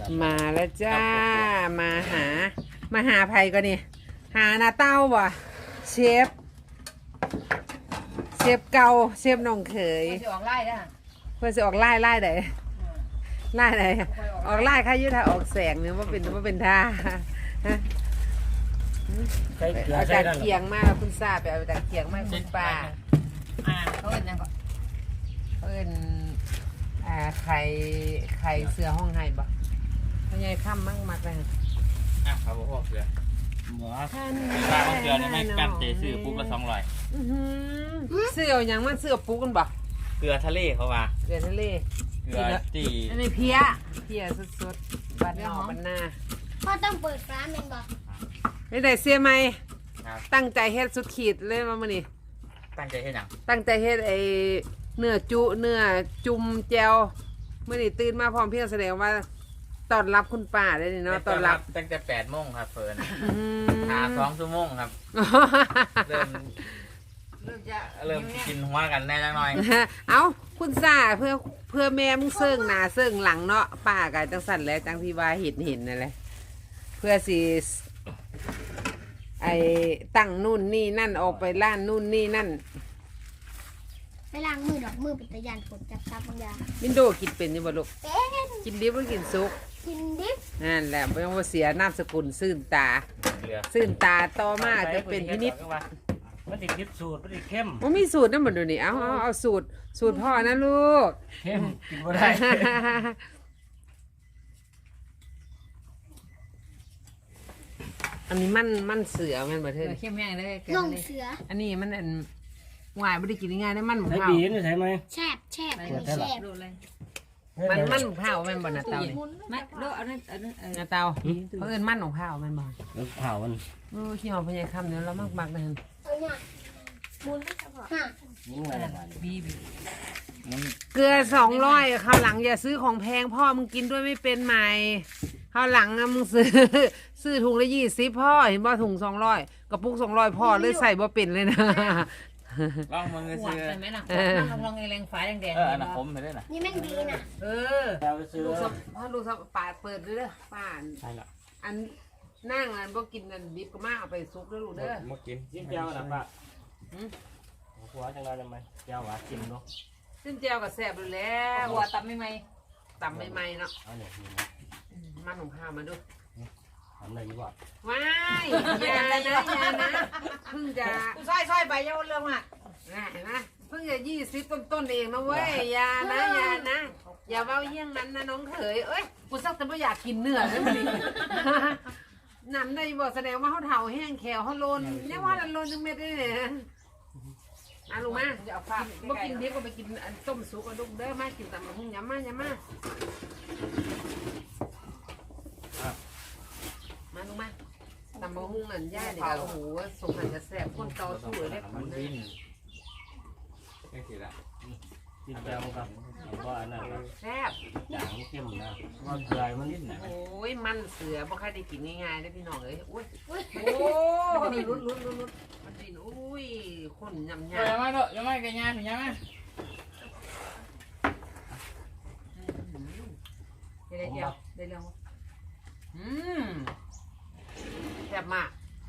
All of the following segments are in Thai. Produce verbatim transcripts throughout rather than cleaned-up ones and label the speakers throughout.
Speaker 1: มาแล้วจ้ามาหามาหาไผ่ก็นี่หาหน้าเต้าว่ะเชฟเชฟเก่าเชฟน้องเขย
Speaker 2: จะออกไล่ได้
Speaker 1: เพื่อจะออกไล่ไล่ไหนไล่ไหนออกไล่ค่ายุทธาออกแสงเนี่ยว่าเป็นว่าเป็นท่าเอาจากเคียงมาแล้วคุณทราบไปเอาจากเคียงมาคุณป้า
Speaker 2: อ่าเขาเอิ้นยังก่อน
Speaker 1: เอิ้นอ่าไข่ไข่เสือห้องไห้บ่เขาใหญ่ค่ำมากมากเลย
Speaker 3: อ่ะครับพ่อเสือหมูปลาของเสือนี่ไม่กันเจซื้อปุ๊บละสองร้อย
Speaker 1: เสืออย่างมันเสือปูกันบ่
Speaker 3: เกลือทะเลเขาว่า
Speaker 1: เสือทะเล
Speaker 3: เกลือตี
Speaker 1: อันนี้เพี้ยเพี้ยสดๆบัดนอกบัดหน้า
Speaker 4: พ่อต้องเปิดร้านเป็นบอก
Speaker 1: ไม่ได้เสียไหม
Speaker 3: ครับ
Speaker 1: ตั้งใจเฮ็ดสุดขีดเลยมามื้อนี้
Speaker 3: ตั้งใจให้หนัง
Speaker 1: ตั้งใจเฮ็ดไอ้เนื้อจุเนื้อจุ่มแจวมื้อนี้ตื่นมาพร้อมเพียงแสดงว่าต้อนรับคุณป้าได้นี่เนาะต้อนรับ
Speaker 3: ตั้งแต่แปดโมงครับเฟิร์น
Speaker 1: อืม
Speaker 3: หาสองชั่วโมงครับ เริ่ม
Speaker 2: เริ่มจะ
Speaker 3: เริ่มกินหัวกันแน่จังหน่อย
Speaker 1: เอาคุณซ่าเพื่อเพื่อแม่มึงเซิ่งหน้าเซิ่งหลังเนาะป้าก็จังสั่นแหล้วจังที่ว่าเห็นเห็นนั่นแหละเพื่อสิไอ้ตั้งนู่นนี่นั่นออกไปร้านนู่นนี่นั่น
Speaker 4: ไปล้างมือดอกมือเป็นตะยานฝนจับซับบางอย่าง
Speaker 1: มินโดกินเป็นอยู่บ่ลูก
Speaker 4: เป็น
Speaker 1: กินดิบหรือกินซุก
Speaker 4: กินดิบ
Speaker 1: นั่นแหละไม่ต้องว่าเสียนามสกุลซื่นตา
Speaker 3: เกลือ
Speaker 1: ซื่นตาต่อมาจะเป็นพินิจ
Speaker 5: มันติดดิบสูตรมันติดเข้ม
Speaker 1: ว่ามีสูตรนั่นหมดดูนี่เอาเอาเอาสูตรสูตรพ่อนะลูก
Speaker 5: เข้มกินบ่ได้
Speaker 1: อันนี้มันมันเสือแมันบ่
Speaker 2: เอ
Speaker 1: เทิด
Speaker 2: อเข้มแห้งเลย
Speaker 4: ลงเสือ
Speaker 1: อันนี้มันอันหวายไม่ได้กินง่ายๆนะมันหมู
Speaker 5: ใช้
Speaker 1: เผา
Speaker 5: บีนใช่ไหม
Speaker 4: แช่บแช่บแช่บ
Speaker 2: ดูเลย
Speaker 1: มันมันหมูเผาแมันบ่หน้าเตานี่
Speaker 2: ไม่ดูเอานั่นเอานั่นเออ
Speaker 1: หน้าเตาเพราะเอิญมันของเผาแมันบ่
Speaker 5: แล้วเผามัน
Speaker 1: โอ้ขี้หอมพญายคำเนี่ยเรามากมากๆนะ
Speaker 4: เอาเนี่ยมุนไม่เฉพาะฮะ
Speaker 5: ยิ่งอะไร
Speaker 2: บีบี
Speaker 1: เกลือสองร้อยคราวหลังอย่าซื้อของแพงพ่อมึงกินด้วยไม่เป็นไหมคราวหลังอะมึงซื้อ ซื้อถุงละยี่สิบพ่อเห็นบ่ถุงสองร้อยกระปุกสองร้อยพ่อเลยใส่บ่เป็นเลยนะ
Speaker 3: ลองมือ
Speaker 2: หวาน
Speaker 3: ซื้อ
Speaker 2: ใช่ไหมล่ะลองลองแรงๆฝาแดง
Speaker 3: เอออันนั้นผมไปได้น่ะ
Speaker 4: นี่แม่งดีน่ะ
Speaker 2: เออ
Speaker 5: เราไปซื้อ
Speaker 1: ลูกสะพ่อลูกสะปาดเปิดเด้อป้า
Speaker 5: ใช่ละ
Speaker 1: อันนั่งอันบ่กินอันดิบก็มาเอาไปซุกเด้อลูกเด้อ
Speaker 3: มากิน
Speaker 5: จิ้มแก้วนะป้าหัวจังไรได้ไหมแก้วหวานกินเนาะ
Speaker 1: ซึ่งแจวก็แซ่บอยู่แล้ว
Speaker 2: หัวตับไม่ไหม
Speaker 1: ตำใหม่ๆเนาะ
Speaker 5: เอาเนี่ย
Speaker 1: มันของข้าวมาดู
Speaker 5: ทำอะไรดีกว่า
Speaker 1: ว้ายอย่านะอย่านะเพิ่งจะ
Speaker 2: ซอยซอยใบเยาเรื่องอ่ะ
Speaker 1: เห็นไหมเพิ่งจะยี่สิบต้นๆเองนะเว้ยอย่านะอย่านะอย่าเว้าเยี่ยงนั้นนะน้องเขยเอ้ยกูสักแต่ไม่อยากกินเนื้อเลยมันนี่นำได้บอกแสดงว่าเขาเถาแห้งแขวเขาโลนเนี่ยว่าโลนจังเม็ดได้เลยอ่ะลุงมาจะเอาฟ้าบ่กินเดี๋ยวก็ไปกินอันต้มสุกอันลูกเด้อมากินตำบักหุ่งยำมายำมามาลุงมาตำบักหุ่งอันย่าเดี๋ยวโอ้โหสมหันจะแซ่บคนต่อสู้เลย
Speaker 3: มัน
Speaker 1: เล
Speaker 3: วิ
Speaker 1: ย
Speaker 3: นนี่คือละ
Speaker 5: จิ้มแก้วครับว่าอันนั้นนะ
Speaker 1: แซ่บ
Speaker 5: จางเข้มนะว่าเกลือมันนิดหน่อย
Speaker 1: โอ้ยมันเสือบ่ค่อยได้กินง่ายๆได้พี่น้องเอ้ยโอ้ย
Speaker 4: อุ้ย
Speaker 1: โอ้มันนี่ลุ้นลุ้นลุ้นลุ้นมันนี่อุ้ยคนยำ
Speaker 3: เดี๋ยวย
Speaker 1: ำ
Speaker 3: มาเถอะยังไม่กันยาถึงยังไง
Speaker 1: ได้เดียวได้เดียวอืมแซ่บมาก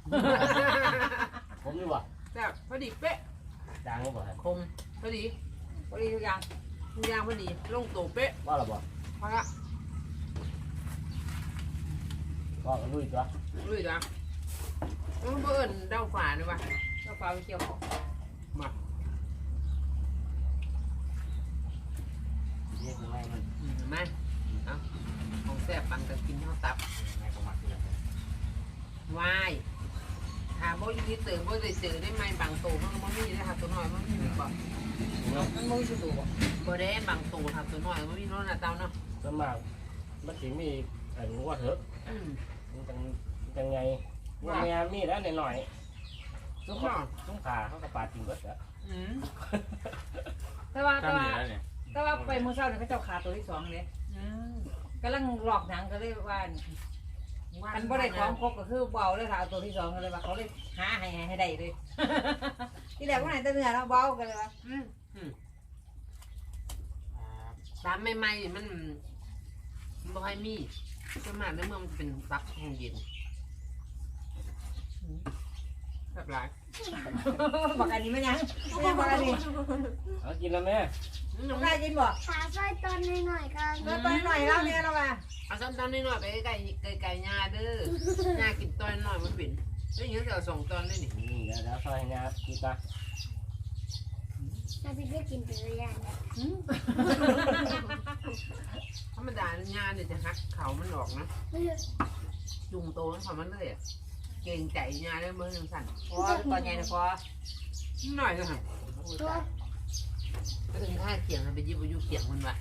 Speaker 5: ผมดีกว่า
Speaker 1: แซ่บพอดีเป๊ะ
Speaker 5: จางก็บอก
Speaker 1: คมพอดีพอดีทุกอย่างทุกอย่างพอดีลงตัวเป๊ะ
Speaker 5: ว่าเราบอก
Speaker 1: พอละ
Speaker 5: ว่ากันลุยตัว
Speaker 1: ลุยจ้ะมันเบิ่นเดาฝาเนี่ยวะเดาฝาไปเกี่ยวของมา
Speaker 5: นี่คือไม่มัน
Speaker 1: อืมมาเอาของแซ่บปันกันกินข้าวตับ
Speaker 5: ไม่ก็มักเลย
Speaker 1: วายหาบ่อยู่ที่เติมบ่ได้เจอได้ไหมบางโตมันบ่มีได้หาตัวน้อยมันมีบ่
Speaker 2: มันมุ้ยสุดตัว
Speaker 1: บ่ได้บางโตหาตัวน้อยมันมีโน่นน่ะเตาเนาะ
Speaker 5: สมากมันถึงมีอันว่าเถอะ
Speaker 1: อืม
Speaker 5: มันจังจังไงว่าแม่มีแล้วหน่อย
Speaker 1: ทุกคน
Speaker 5: ๆต้องขาเขากระปาดจริงเบิดอะ
Speaker 1: อืม
Speaker 2: แต่ว่า
Speaker 3: ข้า
Speaker 2: แต่
Speaker 3: มเห
Speaker 2: ว่า
Speaker 3: นือเนี่ย
Speaker 2: แต่ว่าไปมือเช้าเนี่ยเขาเจ้าขาตัวที่สองเลย
Speaker 1: อืม
Speaker 2: กำลังหลอกหนังก็เลยว่าอันบ่ได้ของครบก็คือเบาเลยค่ะเอาตัวที่สองก็เลยว่าเขาเลยหาให้ให้ได้เลย ที่แรกว่าไหนแต่เนื้อเราเบากันเลยว่า
Speaker 1: อืมอืมตามใหม่ๆนี่มันมันบ่ค่อยมีสวนมากในเมืองมันเป็นซักห้องเย็นแบบไร
Speaker 2: บอกอันนี้ไม่ยังไม่ยังบอกอันนี้
Speaker 5: เอากินแล้วแม่
Speaker 2: น้องได้ยินบ่
Speaker 4: ขาซอยตอนหน่อยๆกัน
Speaker 2: เมื่อตอนหน่อยแล้วเนี่ยเราว่า
Speaker 1: เอาซ้ำตอนนี้หน่อยไปไก่ไก่ไก่ยาเด้อยากินตอนหน่อยมันเป็นแล้วอย่างนี้เราส่งตอนได้นี่
Speaker 5: อืมเดี๋ยวเดี๋ยวซอยให้นะกินตา
Speaker 4: น้าพี่ได้กินเป็นระยะนะ
Speaker 1: ธรรมดายาเนี่ยจะหักเขามันออกนะจุงโตมันเขามันเลยอ่ะเก่งใจยาได้เมื่อยังสั่น
Speaker 2: พอตอนใหญ่นะพอ
Speaker 1: หน่อยเลยค่ะก็ถึงท่าเขียงไปยิบอายุเขียงมันว่ะ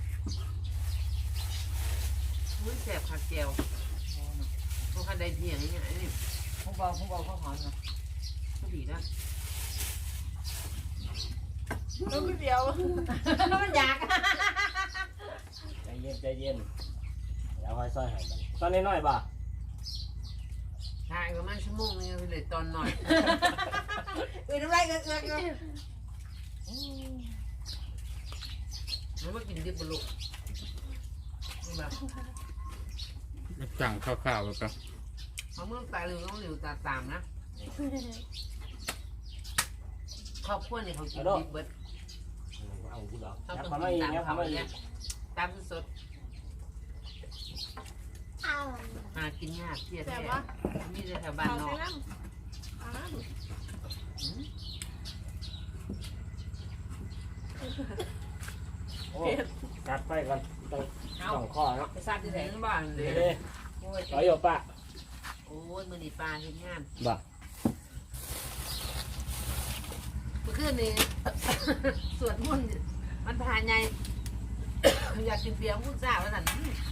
Speaker 1: มือแสบขาดแก้วพวกข้าได้เพียงอย่างนี้นี่
Speaker 2: ผมบอกผมบอกเขาหอมนะ
Speaker 1: ก็ดีนะแล้วก็เดียว
Speaker 2: มันอยาก
Speaker 5: ใจเย็นใจเย็นเดี๋ยวค่อยซอยให้มันตอนน้อยๆบ่
Speaker 1: ถ่ายประมาณชั่วโมงนึงเลยตอนหน่อย
Speaker 2: อื่นน้ำลายเกลือเกลือเกลือ
Speaker 1: มันมากินดิบบลุกแบบ
Speaker 3: สั่งข้าวๆแบบก็
Speaker 1: เขาเมื่อตายเร็วต้องเร็วตาตามนะครอบครัวเนี่ยเขากินดิบเบิด
Speaker 5: เอากูดอก
Speaker 1: เขา
Speaker 5: ยับ
Speaker 1: ต้อง
Speaker 5: เข้ามา
Speaker 1: กิ
Speaker 5: อี
Speaker 1: น
Speaker 5: ก
Speaker 1: ตาม
Speaker 5: ยับ
Speaker 1: เขา
Speaker 5: เข้ามาอี
Speaker 1: เนี่ย
Speaker 5: ก
Speaker 1: ตามสด
Speaker 4: เอา
Speaker 1: หากินยากเที่ยแท้มีแต่แถวบ้านนอก
Speaker 5: โอ้กัดไปก่อนต้องสองข้อเนาะ
Speaker 2: ไปซัดที่ไหน
Speaker 1: ถึงบ้านเล
Speaker 5: เด้
Speaker 1: ย
Speaker 2: โอ้ย
Speaker 5: ต่อยอยู่ปะ
Speaker 1: โอ้ยมือนีปลาเห็นงาน
Speaker 5: บ่
Speaker 1: เมื่อคืนนี้ สวดมนต์มันผ่านไง อยากกินเบียร์มุ้งซ่าแล้วสั่น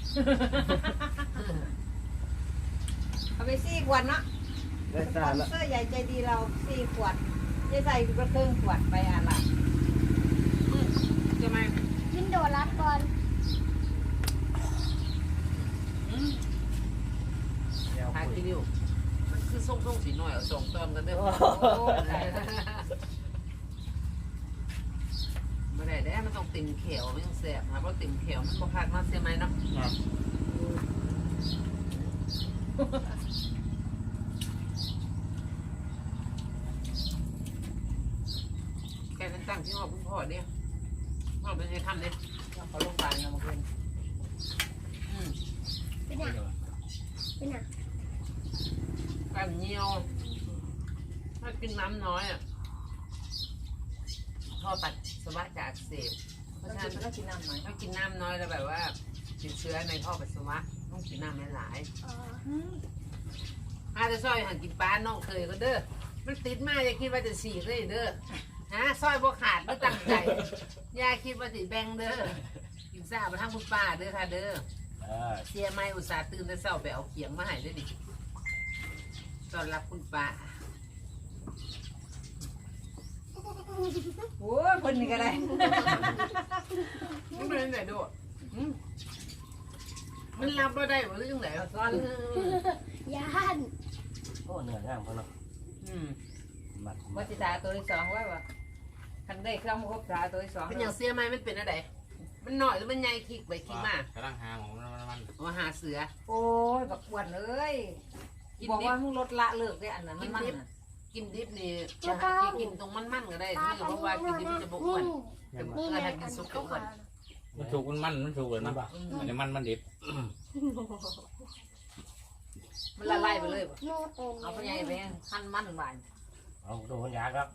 Speaker 2: เอาไปสี่ขวดเนาะ
Speaker 5: ได้
Speaker 2: ส
Speaker 5: ตา
Speaker 2: ปอน
Speaker 5: แล้ว
Speaker 2: เซอร์ใหญ่ใจดีเราสี่ขวดจะใส่กระเทิงขวดไปอะไร
Speaker 1: ใช่ไหม
Speaker 4: กินโดรัดก่อน
Speaker 5: เดี๋ยว
Speaker 1: หา
Speaker 5: คุย
Speaker 1: กินอยู่มันคือส่งส่งสีหน่อยเอาส่งตอนกันเด้อ ไม่ได้ได้มันต้องติ่มเขียวไม่ต้องแสบนะเพราะติ่มเขียวมันบกขาดมาเสียไหมเนาะแกนั้นตั้งที่ห้องคุณพ่อเนี่ยพ่อเป็นไงทำเนี่ย
Speaker 2: เขาลงไปเนาะเมื่อคืน
Speaker 1: อืม
Speaker 4: เป็นอ่ะเป็นอ่ะ
Speaker 1: กันเหนียวถ้ากินน้ำน้อยอ่ะท่อปัสสาวะจะอักเสบเพราะ
Speaker 2: แล้ว
Speaker 1: ฉะ
Speaker 2: กิ
Speaker 1: นั้น น
Speaker 2: ก็กินน้ำหน่อย
Speaker 1: ถ้ากินน้ำน้อยแล้วแบบว่าติดเชื้อในท่อปัสสาวะต้องกินน้ำหลาย
Speaker 4: อ๋อ
Speaker 1: ๆอาจจะซอยหันกินปลาน้องเคยก็เด้อมันติดมากอย่าคิดว่าจะฉีกเลยเด้อฮะซอยบ่ขาดไม่ตั้งใจอย่าคิดว่าสิแบ่งเด้อกินซ่ามาทั้งคุณป้าเด้อค่ะเด้อ
Speaker 5: เออ
Speaker 1: เสียไม่อุตส่าห์ตื่นแต่เช้าไปเอาเขียงมาให้ด้วยดิต้อนรับคุณป้า
Speaker 2: โอ้ยคนนี้ก็ได้
Speaker 1: ไม่เป็นไรดูอืมมันรับเราได้หรือยังไง
Speaker 2: ซ้อน
Speaker 4: ยาน
Speaker 5: โอ้เหนื่อยง่ามเขาเนาะ
Speaker 1: อืม
Speaker 5: มัด
Speaker 2: วั
Speaker 5: มัด
Speaker 2: ชิตาตัวที่สองไว้ว่ะคันได้เครื่องครบตาตัวที่สอง
Speaker 1: เป็นอย่างเสียไหมมันเป็นอะไรมันหน่อยหรือมันใหญ่คิกไปคิกมาก
Speaker 3: กำลังหาของมันมัน
Speaker 1: เอาหาเสือ
Speaker 2: โอ้ยบักอ้วนเอ้ย
Speaker 1: กิน
Speaker 2: บอก
Speaker 1: ดิ
Speaker 2: ว่า
Speaker 1: บ
Speaker 2: มึงลดละเลิกได้อันนั้นมันมันน่ะ
Speaker 1: กินดิบนี่จะหากินตรงมันๆก็ได้นี่เพราะว่ากินดิบมันจะบอ้วน
Speaker 4: นี่
Speaker 1: แต่
Speaker 4: ไง
Speaker 1: ถ้ากินซุปก็อ้วน
Speaker 3: มันถูกมันมันมันถูกเลย
Speaker 5: มั
Speaker 3: นะ
Speaker 5: นบ่
Speaker 3: อันนี้มันมันดิบ
Speaker 2: มันละลายไปเลยบ่
Speaker 4: โน่เต็ม
Speaker 2: เอาไปใหญ่ไปหั่นมันหวาน
Speaker 5: เอาดูคนยากครับ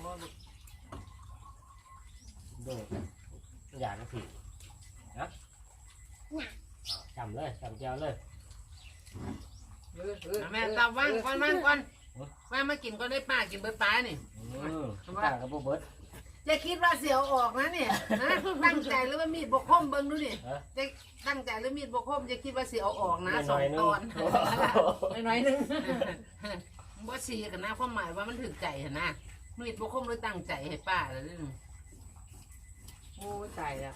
Speaker 5: ดูอยากก็ผิดนะจำเลยจำเจ้าเลย
Speaker 2: เออเออ
Speaker 1: แม่ตาว่างก่อนว่างก่อนว่างมากินก็ได้ป้ากินเบิร์ดป้านี่
Speaker 5: อืมต่างกับพวกเบิร์ด
Speaker 1: อย่าคิดว่าเสียวออกนะเนี่ยนะตั้งใจหรือว่ามีดบกคมเบิ้งดูนี่จะตั้งใจหรือมีดบกคมจะคิดว่าเสียวออกนะสองตอน
Speaker 2: หน่อยๆนึง
Speaker 1: บ่สีกันนะความหมายว่ามันถึงใจเห็นนะมีดบกคมหรือตั้งใจให้ป้าแล้วนี่
Speaker 2: โอ้ตายแล้ว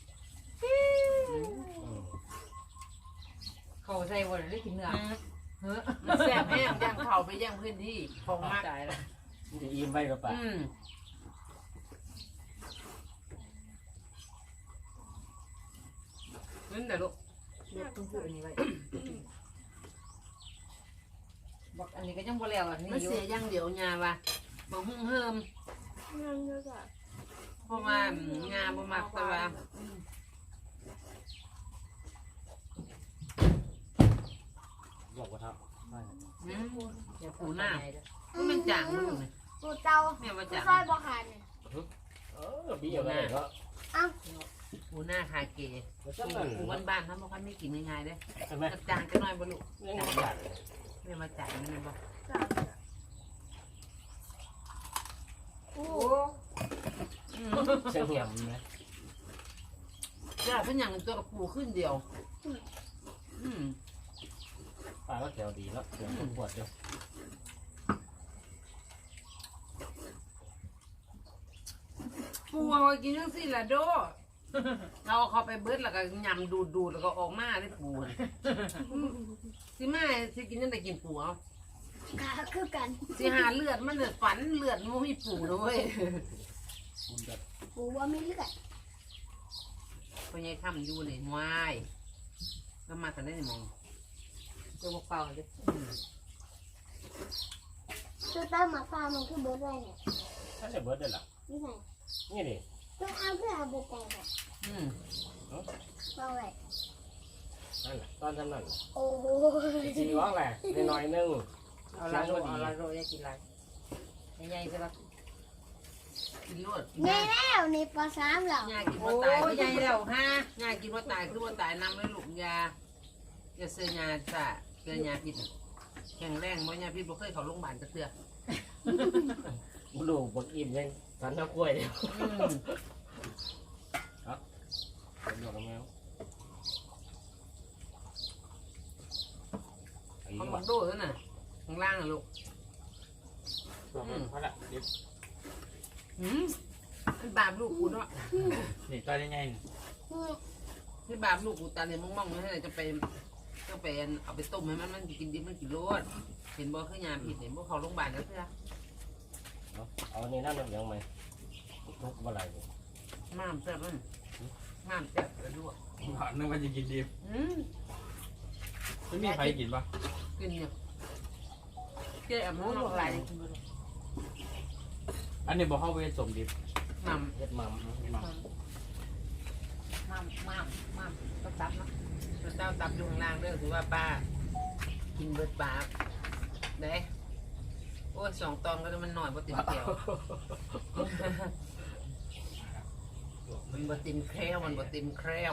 Speaker 2: เขาใส่วันได้กินเนื้อเฮ้อ
Speaker 1: มันแซ่บแห้งย่างเข่าไปย่างพื้นที่ของมาก
Speaker 2: ตายแล้ว
Speaker 5: มันจะอิ่มไปกับป่า
Speaker 1: อืมนั่นแหละลูก
Speaker 2: เลือกต้องพูดอันนี้ไว้บอกอันนี้ก็ยังบ่แล้วอันนี้
Speaker 1: มัน
Speaker 2: อยู่
Speaker 1: เสียอย่างเดียวยาว่ะบ่หุ่งเฮิม
Speaker 4: นั่นก็จะ
Speaker 1: เพราะว่างาบ่มักแต่ว่า
Speaker 5: บอกว่าทับไม่
Speaker 1: อืม
Speaker 2: อย่า
Speaker 1: ปูหน้า
Speaker 2: ใญ่เด้อ
Speaker 1: มันจางมึงนี่
Speaker 4: ปูเตา
Speaker 1: แม่ว่า
Speaker 4: ปู
Speaker 1: จาง
Speaker 4: ซอยบ่ขาดเนี่ย
Speaker 5: เออบีอะไรก็
Speaker 1: ปูหน้าคาเก
Speaker 5: มันจะนั่น
Speaker 1: ปูบ้านๆเฮาบ่ค่อยมีกินง่ายๆเด้
Speaker 5: ใช่ไหม
Speaker 1: จางจักหน่อยบ่ลูก
Speaker 5: นี่มันจัด
Speaker 1: แม่ว่าจางนี่แม่นบ่
Speaker 4: โอ้
Speaker 2: โอ้
Speaker 1: อืม
Speaker 5: เชียงเหี่ยมไหม
Speaker 1: จ้าเพิ่นหยังตัวกับปูขึ้นเดียวอืม
Speaker 5: ปลาก็แถวดีแล้วเดี๋ยวปวดเดี๋ยว
Speaker 1: ปูเอาไว้กินจังซี่ล่ะโดเราเอาเข้าไปเบิดแล้วก็ยำดูดๆแล้วก็ออกมาได้ปูน่ะสิมาสิกินจังได๋กินปูเอา
Speaker 4: ขาคือกัน
Speaker 1: สิหาเลือดมันเลือดฝันเลือดมันบ่มีปูนะเว้ย
Speaker 5: มันจะ
Speaker 4: ปูว่าไม่เลือด
Speaker 1: พ่อใหญ่ทำอยู่นี่วายแล้วมาแต่ได้นี่มอง
Speaker 2: ตัวบอกเปล่าเลย
Speaker 4: ตัวเต้าหมาฟ้ามันคือเบิร์ดอะไรเนี่ย
Speaker 5: ถ้าจะเบิร์ดได้หรอ
Speaker 4: นี่ไง
Speaker 5: นี่ดิ
Speaker 4: ต้องเอาเพื่อเอาเบิร์ดแต่งแบบ
Speaker 1: อืม
Speaker 4: เอาไว้
Speaker 5: นั่นแหละตอนทำนั่น
Speaker 4: โอ้โห
Speaker 5: จีร้องแหละน้อยนึง
Speaker 2: เอาละโรเอาละโรยกินอะไรใหญ่ๆใช่ปะ
Speaker 1: กินรวด
Speaker 4: ไงแล้วในปสามเหรอย
Speaker 1: ากิน
Speaker 2: โอ้
Speaker 1: ว่าตาย
Speaker 2: ใหญ่แล้วฮะ
Speaker 1: ยากินว่าตายคือว่าตายนำเลยลูกยาอย่าเสียยาจ้ะเสียยาพิษแข็งแรงบ่ยาพิษบ่เคยเข้าโรงพยาบาลจะเถื่อ
Speaker 5: ดูบกอิ่มยังสันน้ำกล้วยเดียว
Speaker 1: อืม
Speaker 5: เป็นดอกแมวไอ้
Speaker 1: เขา
Speaker 5: ห
Speaker 1: บ
Speaker 5: วั
Speaker 1: อก
Speaker 5: ด
Speaker 1: โดดแล้วน่ะข้างล่างน่ะลูก
Speaker 3: เพราะละเดี๋ยว
Speaker 1: หืมมันบาปลูกกูเนาะ
Speaker 3: นี่ตอนยังไงนี่
Speaker 1: ที่บาปลูกกูตาเลยมองๆให้จะไปก็ไปเอาไปต้มให้มันมันกินดิบมันกินรสเห็นบ่คือยาพิษเห็นบ่เข้าโรงพยาบาลแล้วเถื่อ
Speaker 5: เอาอันนี้นั่นยังไหมทุกเมื่อไหร่
Speaker 1: ม้ามแซ่บมันม้ามแซ่บแล้วด้วย
Speaker 3: นึกว่าจะกินดี
Speaker 1: อืม
Speaker 3: ไม่มีใครกินปะ
Speaker 1: กินเนี่ยเจ๊แอม
Speaker 2: โอ้
Speaker 1: น้อง
Speaker 2: บอก
Speaker 1: ไห
Speaker 2: ห
Speaker 1: ล
Speaker 2: ลาย
Speaker 3: อันนี้บอกเข้าไปสมดิบ
Speaker 1: มัม
Speaker 5: เฮ็ดมัม
Speaker 3: มา
Speaker 2: มามมามมามต้องตับเนาะ
Speaker 1: เจ้าตับอยู่ข้างล่างเด้อถือว่าป้า กินเบิดปากเด้โอ้ยสองตองก็มันหน่อยบ่ติมแก้วมันบ่ติมแคล้วมันบ่ติมแคล้ว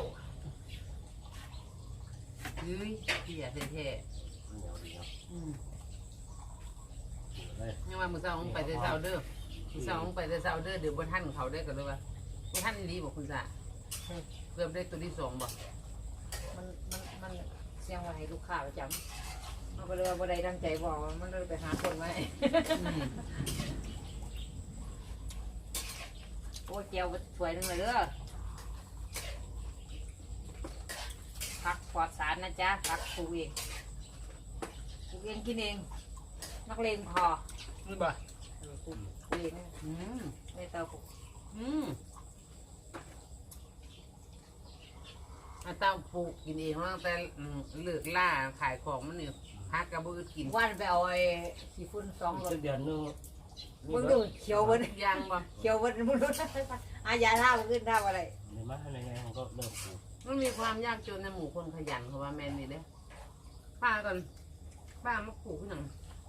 Speaker 1: เฮ้ยเหี้ยแท้
Speaker 5: เหนียวดีครับ
Speaker 1: ๆอืม
Speaker 5: เลย
Speaker 1: ยังว่ามื้อเช้าผมไปแต่เช้าเด้อมื้อเช้าผมไปแต่เช้าเด้อเดี๋ยวบ่ทันเขาได้อก็เลยว่าบ่ทันอีหลีบ่คุณซ่าเริ่มได้ตัวที่สองบ่
Speaker 2: มันมันมันเสียงไว้ให้ลูกค้าประจำมันก็เลยว่าบ่ได้ตั้งใจบอกมันเลยไปหาคนไว้
Speaker 1: อืม
Speaker 2: โอ้ยเจียวสวยนึงเลยเด้อผักปลอดสารนะจ๊ะผักปลูกเองปลูกเองกินเองนักเลงพอ
Speaker 1: นี่บ่
Speaker 2: ปลูกเอง
Speaker 1: อืม
Speaker 2: ไม่เตาปลูก
Speaker 1: อืมอาเต้าปลูกกินเองตั้งแต่อืมเลิกล่าขายของมันเนี่ยพักกระบือกิน
Speaker 2: วันไปเอาไอ้ขี้ฝุ่นสองรถ
Speaker 5: เดือนนึง
Speaker 2: มึงดูเขียวเบิ้
Speaker 1: ยางบ่
Speaker 2: เขียวเบิ้มึงดูอายาท่ามันขึ้นท่าอะไร
Speaker 5: ในมาในไงมันก็เริ่มปลูก
Speaker 1: มันมีความยากจนในหมู่คนขยันเพราะว่าแมนนี่เด้ป้าก่อนป้ามาปลูกขึ้นหนัง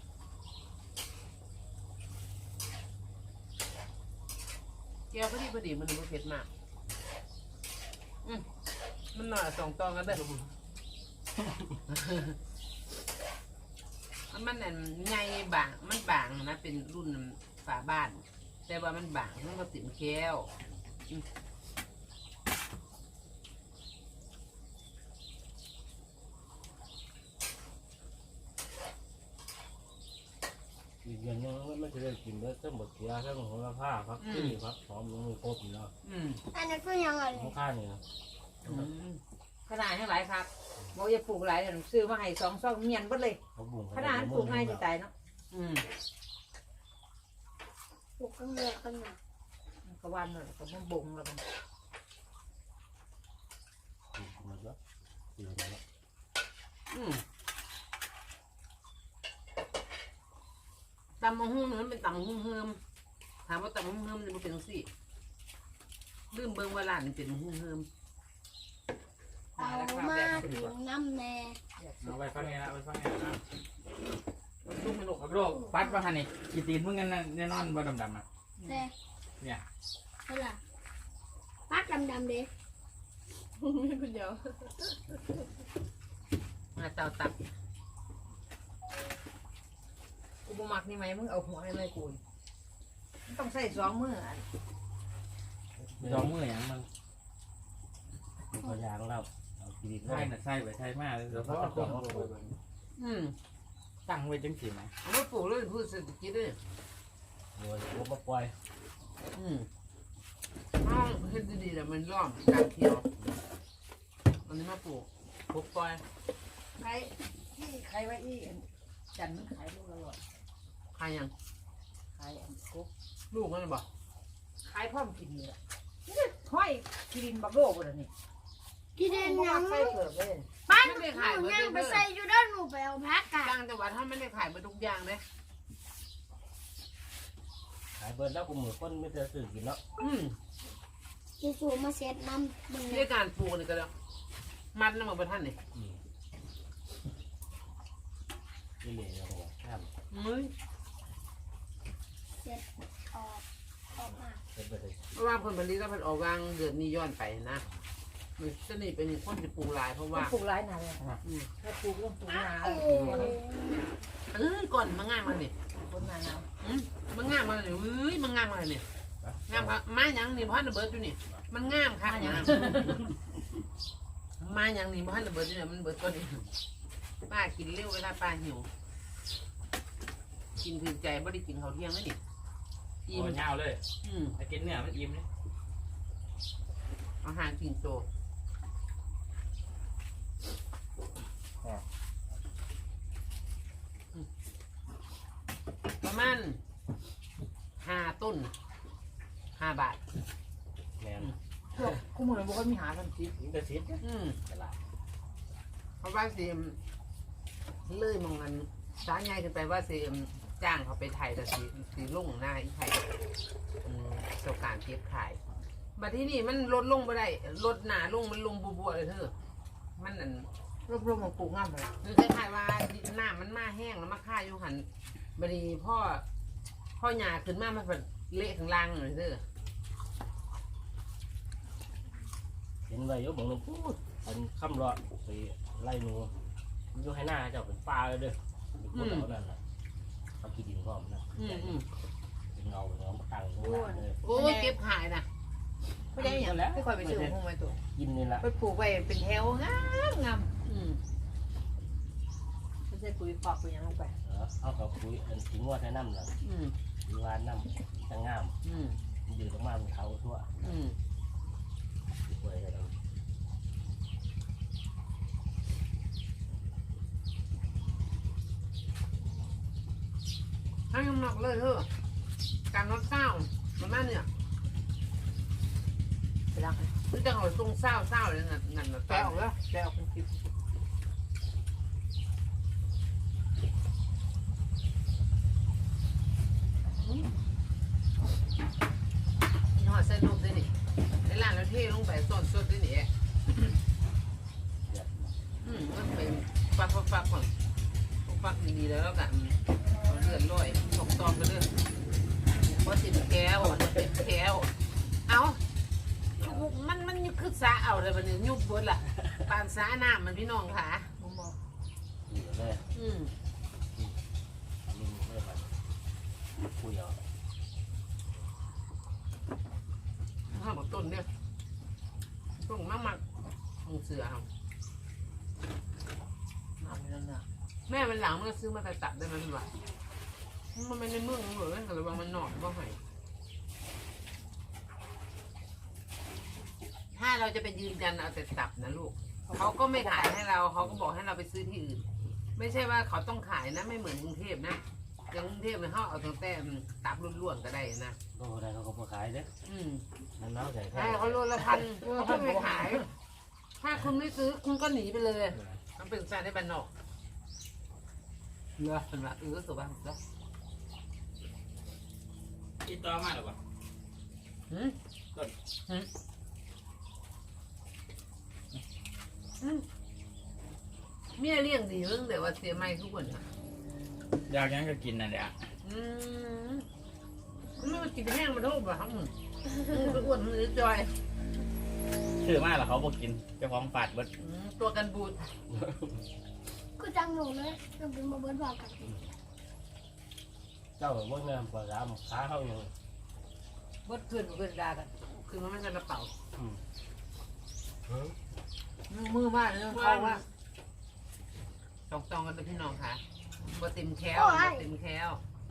Speaker 1: แก้วพอดีพอดีมันบ่เผ็ดมากอืมมันหน่อยสองตองกันเด้อ มันอันใหญ่บางมันบางนะเป็นรุ่นฝาบ้าน แต่ว่ามันบางมันก็ติ่มแก้วอืม
Speaker 5: อีกอย่างนึงมันจะได้กินได้ทั้งหมดเสียทั้งหัวผ้าครับที่ครับหอมลงมือครบอยู่แล้ว
Speaker 1: อืม
Speaker 4: อันนั้นคือยังไง
Speaker 5: ข้างข้างนี่นะ
Speaker 1: อืม
Speaker 2: ขนาดทั้งหลายครับบอกอย่าปลูกหลายเดี๋ยวซื้อมาให้สองซองเมียนเบิดเลย
Speaker 5: เขาบุ้ง
Speaker 2: ขนาดปลูกง่ายจะตายเนาะ
Speaker 1: อืม
Speaker 4: ปลูกกันเลยกันหน่อย
Speaker 2: ก็วันเลยก็มันบ่งแล้วมัน
Speaker 5: หมดแล้วอยู่ตรงนี้
Speaker 1: อืมตำมะฮุ่งมันเป็นตำมะฮุ่งเฮิมถามว่าตำมะฮุ่งเฮิมมันเป็นจังซี่ลืมเบิ่งว่าร้านนี่เป็นมะฮุ่งเฮิม
Speaker 4: เอามาถึงน้ำแน่
Speaker 3: เอาไปฟังไงนะไปฟังไงนะ
Speaker 1: ลูกมันลูก
Speaker 3: เอาโรคปัดว่าฮันนี่กีตีนมึงกันแน่นอนบ่ดำๆอ่ะ
Speaker 4: แต่
Speaker 3: เนี่ย
Speaker 4: เท่าไหร่ปักดำๆเด้
Speaker 1: คุณเดียวมาเตาตับ
Speaker 2: กูบ่มักนี่ไหมมึงเอาหัวให้ไม่กูต้องใส่สองมืออัน
Speaker 3: สองมืออย่างมัน
Speaker 5: มีตัวยางเราเอากินดิบ
Speaker 3: ใช่น่ะใช่ไปใช่มากเลยเดี๋ยวเขาเอาของมาปลูก
Speaker 1: อืม
Speaker 3: ตั้งไว้จังสิไหม
Speaker 1: เอามาปลูกเลยพูดเศรษฐกิจเลย
Speaker 5: โดยรวมาปล่อย
Speaker 1: อืมอ้าวเฮ็ดดีๆแต่มันร่อมการเที่ยวอันนี้มาปลูกปลูกปล่อย
Speaker 2: ใครที่ใครไว้ที่จันมันขายลูกละร้อย
Speaker 1: ขายยัง
Speaker 2: ขายอันกุ๊ก
Speaker 1: ลูกมันบอก
Speaker 2: ขายพร้อมกินนี่แหละห้อยกินบักโลกเลยนี่
Speaker 4: กินเอง
Speaker 2: บ่
Speaker 4: ยั
Speaker 2: มั
Speaker 4: ง
Speaker 2: กใส่เกลือเลย
Speaker 4: ป้าหนูยังไปใส่อยู่ด้านหนูไปเอาพักกะ
Speaker 1: ต่างจังหวัดถ้าไม่ได้ขายมาทุกอย่างเลย
Speaker 5: ขายเบิร์ดแล้วกูมือคนไม่เจอสื่อกินเนาะ
Speaker 1: อืม
Speaker 4: สูสูมาเซ็ตน้ำมึง
Speaker 1: ที่การปลูกนี่ก็แล้วมันน้ำมันประทันนี่
Speaker 5: อืมนี่เลยเราบอกห้าม
Speaker 1: มึง
Speaker 4: เซ็ตออกออกมา
Speaker 5: เป็นไปเลย
Speaker 1: เพราะว่าผลผลิตแล้วมันออกวางเดือนนี้ย้อนไปนะมันจะนี่เป็นคนที่ปลูกหลายเพราะว่า
Speaker 2: ปลูกหลายหนาเลย
Speaker 1: อืม
Speaker 2: ถ้าปลูกต้องปลูกหนา
Speaker 4: โอ้
Speaker 1: เอ้ยก่อนมันง่ายมาเนี่ย
Speaker 2: คนหนาหนาว
Speaker 1: อืมมันง่ายมาเลยเอ้ยมันง่ายมาเลยเนี่ยงามครับมาอย่างนี่พันระเบิดอยู่นี่มันง่ามค่ะอย่างมาอย่างนี่พันระเบิดอยู่เนี่ยมันเบิดตัวนี้ป้ากินเร็วเวลาป้าหิวกินถึงใจไม่ได้กินข้าวเที่ยงแล้วนี่
Speaker 3: โอ้
Speaker 1: อิ่ม
Speaker 3: ยาวเลย
Speaker 1: อืม
Speaker 3: ไอ้กินเนื้อมันอิ่มเลย
Speaker 1: อาหารกินโตประมาณห้าต้นห้าบาท
Speaker 5: แมน
Speaker 2: พวกคู่มือบอกว่ามีหาทันที
Speaker 5: นี่ก็ซิด
Speaker 1: อืม
Speaker 5: ตลาด
Speaker 1: เพราะว่าเสียมเลื่อยมองกันสาใหญ่ขึ้นไปว่าเสียมจ้างเขาไปไทยแต่สีสีลุ่งหน้าอีไทยอืมเจ้าการเก็บขายบัดที่นี่มันลดลงไปได้ลดหนาลงมันลงบัวๆเลยเธอมันอัน
Speaker 2: รวมๆมาปลูกงามเลย
Speaker 1: คือคล้ายๆว่าหน้ามันมาแห้งแล้วมาฆ่าอยู่หันบัดนี้พ่อพ่อหยาขึ้นมามันแบบเละข้างล่างเลยเธอ
Speaker 5: เห็นไว้อยกบอกหนึ่งพูดอันคำรอดไปไล่หนูอยู่ให้หน้าเจ้าเป็นปลาเลยเด้อพูดเอานั่นแหละเขากินดินพร้อมนะ
Speaker 1: อืมอืม
Speaker 5: เป็นเงาเป็นเงาตั้งข้างหน้าเลย
Speaker 1: โอ้ยเก็บขายนะ
Speaker 2: ไม่ได้อย่างไม่ค่อยไปซื้อพวกไม้ตัว
Speaker 5: กินนี่ละ
Speaker 2: ไปปลูกไว้เป็นแถวงามงาม
Speaker 1: อืม
Speaker 2: ไม่ใช่ปุ๋ยปอกปุ๋ยยังลงไป
Speaker 5: เออเอากับคุยอันทิ้งว่าแค่น้ำละ
Speaker 1: อืม
Speaker 5: ทิ้งว่าน้ำจะงาม
Speaker 1: อืม
Speaker 5: มันอยู่ตรงมามันเท้าทั่ว
Speaker 1: อืม
Speaker 5: ป่วยกันแล้ว
Speaker 1: ให้น้ำหนักเลยเถอะการลดเศร้าประมาณเนี่ย
Speaker 2: ไปล้างให้
Speaker 1: คือจะเอาทรงเศร้าเศร้าเลยนั่นนั่นนะ
Speaker 2: แปลออกแล้วแปลออกเป็นคลิป
Speaker 1: ยี่ห้อเส้นลูกด้วยนี่ในร้านแล้วเท่ลงไปต้นสดด้วยนี่อืมมันเป็นฟักฟักฟักก่อนฟักดีๆแล้วแล้วกันเอาเลือดลอยตกตอมไปเรื่อยว่าติดแก้วติดแก้วเอามันมันคือสาเอาเลยบัดนี้ยุบบดล่ะปานสาน้ำมันพี่น้องค่ะ
Speaker 2: มุมมอง
Speaker 5: อยู่เลย
Speaker 1: อืม
Speaker 5: ลิงเริ่มมาคุยเอา
Speaker 1: ห้าบอกต้นเนี่ยต้นมากมากมึงเสือเอา
Speaker 2: น้ำนั่นน่ะ
Speaker 1: แม่มันหลังมันก็ซื้อมาแต่ตัดได้ไหมพี่วะมันไม่ในเมืองหรือแต่ระวังมันหนอนก็ให้ถ้าเราจะไปยืนกันเอาแต่ตับนะลูกเขาก็ไม่ขายให้เราเขาก็บอกให้เราไปซื้อที่อื่น ไม่ใช่ว่าเขาต้องขายนะไม่เหมือนกรุงเทพนะอย่างกรุงเทพเนี่ยเขาเอาตั้งแต่ตับล้วนๆก็ได้นะ
Speaker 5: โอ้ได้เขาก็มาขายเด้อ
Speaker 1: อืม
Speaker 5: น้ำน้ำใส่แค่
Speaker 1: ใช่เขาโลละพันเขาไม่ขาย เขถ้าคุณไม่ซื้อคุณก็หนีไปเลยมันเป็นสายในบ้านนอกเรือเป็นว่าเออสุบ้านแล้ว
Speaker 3: กินต่อมาหรือเปล่า
Speaker 1: หืมหืมหืมเมียเลี้ยงดีเรื่องแต่ว่าเสียไม่ทุกคนอ่ะ
Speaker 3: อยากยังก็กินนั่นแหละ
Speaker 1: อืมไม่มากินแห้งมาโทษบ่ครับมึงไปอ้วนมือจอย
Speaker 3: ซื้อมาแล้วเขาบอกกินเจ้าของฝาดเบิด
Speaker 1: อืมตัวกันบูด
Speaker 4: กูจังหนูเลยเราเป็นมาเบิร์ดบอกกัน
Speaker 5: เจ้าเมื่อเงินปลาร้าขาเขาอยู่
Speaker 2: บดขึ้นขึ้นดากัน
Speaker 1: คือมันไม่ใช่กระเป๋า
Speaker 2: มือมือมากเลยเขาว่า
Speaker 1: จองจองกันเป็นพี่น้องค่ะบ่เต็มแคลบ่เต็มแคล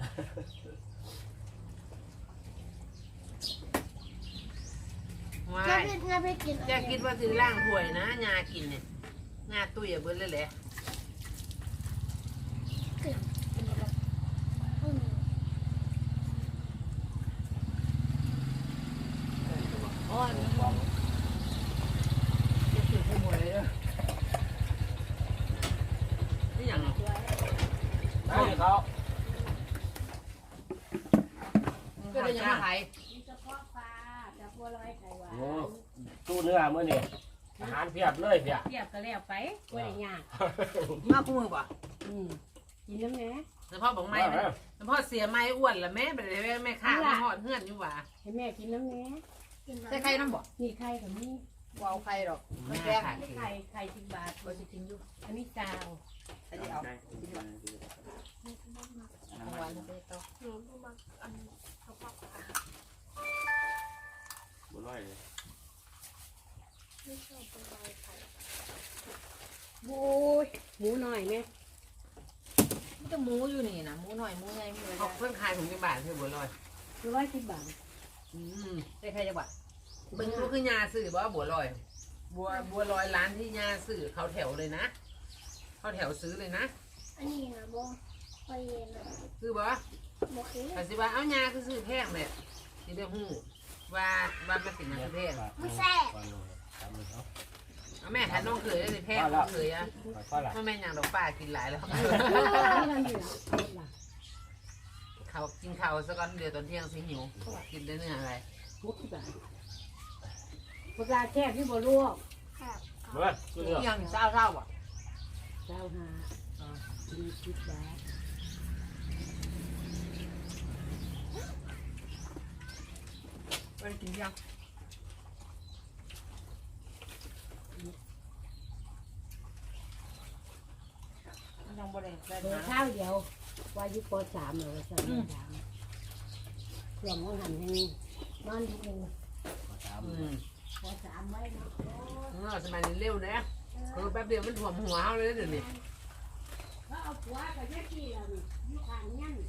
Speaker 1: ว้าง
Speaker 4: าย เพชรงานเพชรกิน
Speaker 1: จะคิดว่าซื้อล่างถ้วยนะงากินเนี่ยงาตุ้ยอะเบิ้ลเลยแหละ
Speaker 4: อืม
Speaker 2: อ๋อนี่จะถือขโมยเลย
Speaker 1: นี่อย่าง
Speaker 5: ให้เขา
Speaker 2: ก็เลยยังมาขาย
Speaker 6: เฉพาะปลาจากบัวลอยไข่หวาน
Speaker 5: โอ้ตู้เนื้อเมื่อนี่อาหารเพียบเลยเพียบ
Speaker 6: เทียบก็แล้วไปบัวได้ยาก
Speaker 2: มาคู่มือป่ะ
Speaker 6: อืมกินน้ำแหน่
Speaker 1: แล้วพ่อบอกไม่แล้วพ่อเสียไม่อ้วนละแม่ไปเลยแม่ข้าไม่หอดเงื่อนอยู่หว่า
Speaker 6: ให้แม่กินน้ำแหน่
Speaker 4: กิน
Speaker 2: ใส่ไข่น้ำบ่
Speaker 6: นี่ไข่กับนี่
Speaker 2: วาวไข่หรอก
Speaker 1: แม่
Speaker 2: แม่
Speaker 1: ค่ะ
Speaker 6: ไข่ไข่สิบบาท
Speaker 2: ก็จะกินอยู่
Speaker 6: อันนี้จาว
Speaker 2: อันนี้เอาเอาไว้ไปต่อ
Speaker 4: หนูบ่มักอันเขาบอกว่า
Speaker 3: บุร้อยเลย
Speaker 4: ไม่ชอบเป็นใบไข่
Speaker 6: โอ้ยหมูหน่อยไหม
Speaker 2: มันจะหมูอยู่นี่นะหมูหน่อยหมูใหญ่หมูอะไร
Speaker 1: เขาเพิ่งขายถุงกี่บาทเธอบัวลอย
Speaker 6: ร้อยสิบบาท
Speaker 1: อืม
Speaker 2: ใส่ไข่จะบ่
Speaker 1: เบิ้งก็คือยาสื่อบ่บัวลอย บัวบัวลอยร้านที่ยาสื่อเขาแถวเลยนะ เขาแถวซื้อเลยนะ
Speaker 4: อันนี้นะบ่ไปเย็นนะ
Speaker 1: ซื้อบ่
Speaker 4: บ่คือ
Speaker 1: แต่สิว่าเอายาคือซื้อแพงเลยสิได้ฮู้ว่าว่ามันเป็นยาคือแพง
Speaker 4: มันแซ่บ
Speaker 1: เอาแม่ถ้าน้องเคยได้แพงน้องเคยอ่ะ
Speaker 5: ก็ละ
Speaker 1: พ่อแม่อย่างดอกป้ากินหลายแล้ว
Speaker 6: นี่เราอยู่ล่ะ
Speaker 1: เขากินข้าวสักก้อนเดียวตอนเที่ยงสิหิวกินได้เนื้ออะไร
Speaker 6: หกสิบบาทปลาแช่ที่บ่ลวก
Speaker 4: ครับ
Speaker 5: เมื่อตู้เนื้อ
Speaker 2: ยังเศร้าเศร้าบ่
Speaker 6: เจ้าหาสี่สิบบาท
Speaker 2: ไปกินยังยังบ่ได้ได้
Speaker 6: เปิด
Speaker 2: นะ
Speaker 6: ข้าวเดียววายุปสามเลยสามสามเครื่องของหันให้นอนนิดนึง
Speaker 1: อืม
Speaker 6: ปสามไว้เนาะ
Speaker 1: เออสมัยนี้เร็วนะคือแป๊บเดียวมันถ่วมหัวเขาเลยเดี๋ยวนี้
Speaker 6: เขาเอาผัวกับแม่พี่เรานี่อยู่ข้างยัน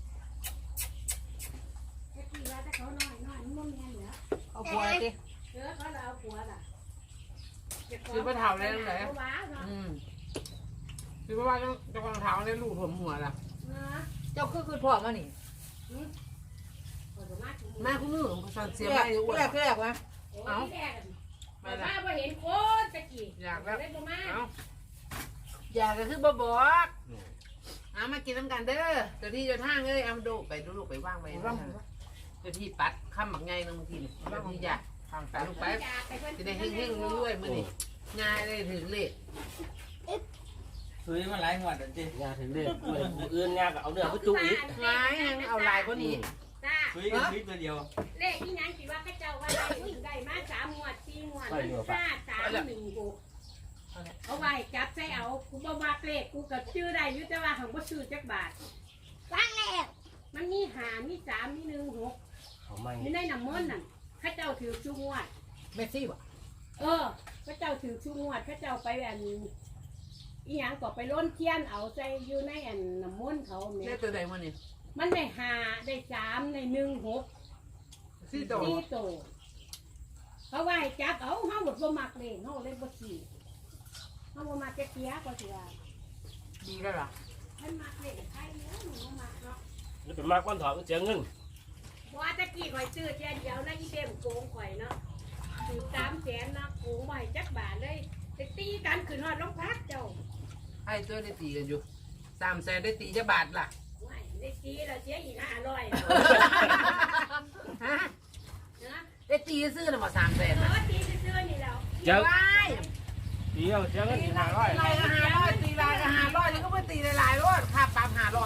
Speaker 6: แม่พี่ว่าถ้าเขาน้อยน้อยมันแม่เหลือ
Speaker 2: เอาผัวสิ
Speaker 6: เออเขาเอาผัวล่ะ
Speaker 1: คือพระเท่าเลยเลย
Speaker 6: เขาว้าเนาะ
Speaker 1: อืมคือว่าต้องจะวางเท้าในลูกถ่วมหัวล่ะ
Speaker 6: เนาะ
Speaker 2: เจ้าคือคือพ่อมานี่
Speaker 6: เขาจะมาถึง
Speaker 1: แม่คุณมือของเขาเสี
Speaker 2: เสี
Speaker 1: ย
Speaker 2: ย
Speaker 1: ไป
Speaker 2: ไป
Speaker 1: อยู่อ้วน
Speaker 2: แรกแรกวะ
Speaker 6: เอา
Speaker 1: ไป
Speaker 6: มา
Speaker 1: ละ
Speaker 6: บ่เห็นคนตะกี้
Speaker 1: อยากแล้ว
Speaker 6: เลยบ่มา
Speaker 1: เอาอยากก็คือบ่บอกเอามากินน้ำกันเด้อเจ้าที่เจ้าทางเอ้ยเอาดูไปดูลูกไปว่างไป
Speaker 2: ร่อง
Speaker 1: เจ้าที่ปัดข้ามบักไงนึงทีนี่เจ้าที่อยากทางไปลูกไป
Speaker 6: อยากไปเพิ่น
Speaker 1: จะได้เฮงๆรวยๆมื้อนี้ง่ายเลยถึงเลข
Speaker 3: ซื้อมาหลายงวดแล้วจิ
Speaker 5: งานถึงเด็กเมื่ออื่นงานก็เอาเนื้อไปจุอีก
Speaker 1: ง่ายยังเอาลายกว่านี้
Speaker 6: จ้า
Speaker 3: ซื้อกันซื้อตัวเดียว
Speaker 6: เลขที่นั้นคิดว่าเขาเจ้าว่าได้ถึงได้มาสามงวดสี่งวดห้าสามหนึ่งหกเอาไว้จับใส่เอากูบ่มาเลขกูก็ชื่อได้อยู่แต่ว่าของบ่ชื่อจักบาท
Speaker 4: ล้างแล้ว
Speaker 6: มันมีหามีสามมีหนึ่งหก
Speaker 5: เขาไม่
Speaker 6: อยู่ในน้ำมันต์นั่นเข้าเจ้าถือชูงวด
Speaker 2: เมสซี่บ่
Speaker 6: เออเข้าเจ้าถือชูงวดเข้าเจ้าไปอันอีหยังก็ไปล้นเทียนเอาใจอยู่ในอันน้ำมันต์เขา
Speaker 1: เล
Speaker 6: เนี่
Speaker 1: ข
Speaker 6: ย
Speaker 1: ตัวใดมื้อนี้
Speaker 6: มันได้หาได้สามในหนึ่งหก
Speaker 1: สี่โต
Speaker 6: สี่โตเขาว่าให้จับเอาเฮาหมดบ่มักเลยเฮาเลยบ่ขี่เฮาบ่มักจะเสียก็สิว่า
Speaker 1: ดีแล้วล่ะ
Speaker 6: มันมักเลยใครเนาะหนูบ่มักเนาะ
Speaker 5: นี่เป็นมากก้อนถอดก็เสียเงิน
Speaker 6: ว่าตะกี้ข่อยซื้อเทียนเดียวนะอีเต็มโกงข่อยเนาะถือสามแสนนะโกงไว้จักบาทเลยจะตีกันขึ้นฮอดโรงพักเจ้า
Speaker 1: ให้ตัวได้ตีกันอยู่สามแสนได้ตีจะบาทล่ะ
Speaker 6: ไม่ได้ตีเราเสียอีกห้าร้อย
Speaker 1: ฮะ
Speaker 6: นะ
Speaker 1: ได้ตีซื้อหรือเปล่าสามแสน
Speaker 6: เอ
Speaker 1: นะ
Speaker 6: อตีซื่อๆนี่แล้ว
Speaker 5: เจ้า
Speaker 1: ว้าย
Speaker 5: ตีเอาเจ้าเงินห้าร้อย
Speaker 1: ตีลายก็ห้าร้อยตีลายก็ห้าร้อยนี่ก็ไม่ตีหลายๆร้อยค่าปรับห้าร้อย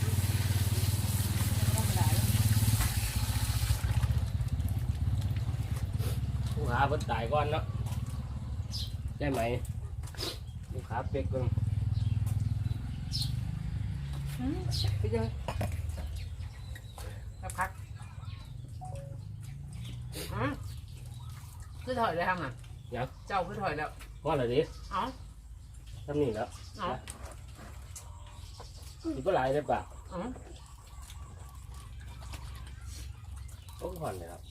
Speaker 5: ผู้หาเพิ่นตายก่อนเนาะได้ไหมผู้ขาเป็กเพิ่น
Speaker 1: ไปเจอสักพักอืมคือถอยได้ทำอ่ะ
Speaker 5: ยัง
Speaker 1: เจ้าคือถอยแล้ว
Speaker 5: พอแล้วดิ
Speaker 1: เอ้า
Speaker 5: ทำนี่แล้ว
Speaker 1: เอ้า
Speaker 5: สิบ่หลายได้ปะ
Speaker 1: เอ้า
Speaker 5: โอ้ห่อนเลยครับ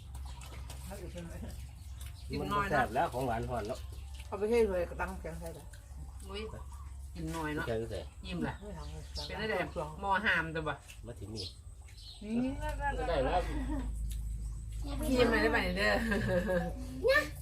Speaker 1: กิน
Speaker 5: มัน
Speaker 1: น้อย
Speaker 5: แซ่
Speaker 1: เนาะ
Speaker 5: บแล้วของหวานห่อนเนาะ
Speaker 2: เอาไปให้เลยกระตังแกงใส่เลย
Speaker 1: อุ้ยกินน้อยเนาะ
Speaker 5: แค่ใส่
Speaker 1: ยิ้มแหละเป็นได้แต่มอหามตัวบ่
Speaker 5: มาถึงนี่
Speaker 2: นี่
Speaker 5: ได้แล้ว
Speaker 1: ยิ้มเลยได้ไหมเด้อ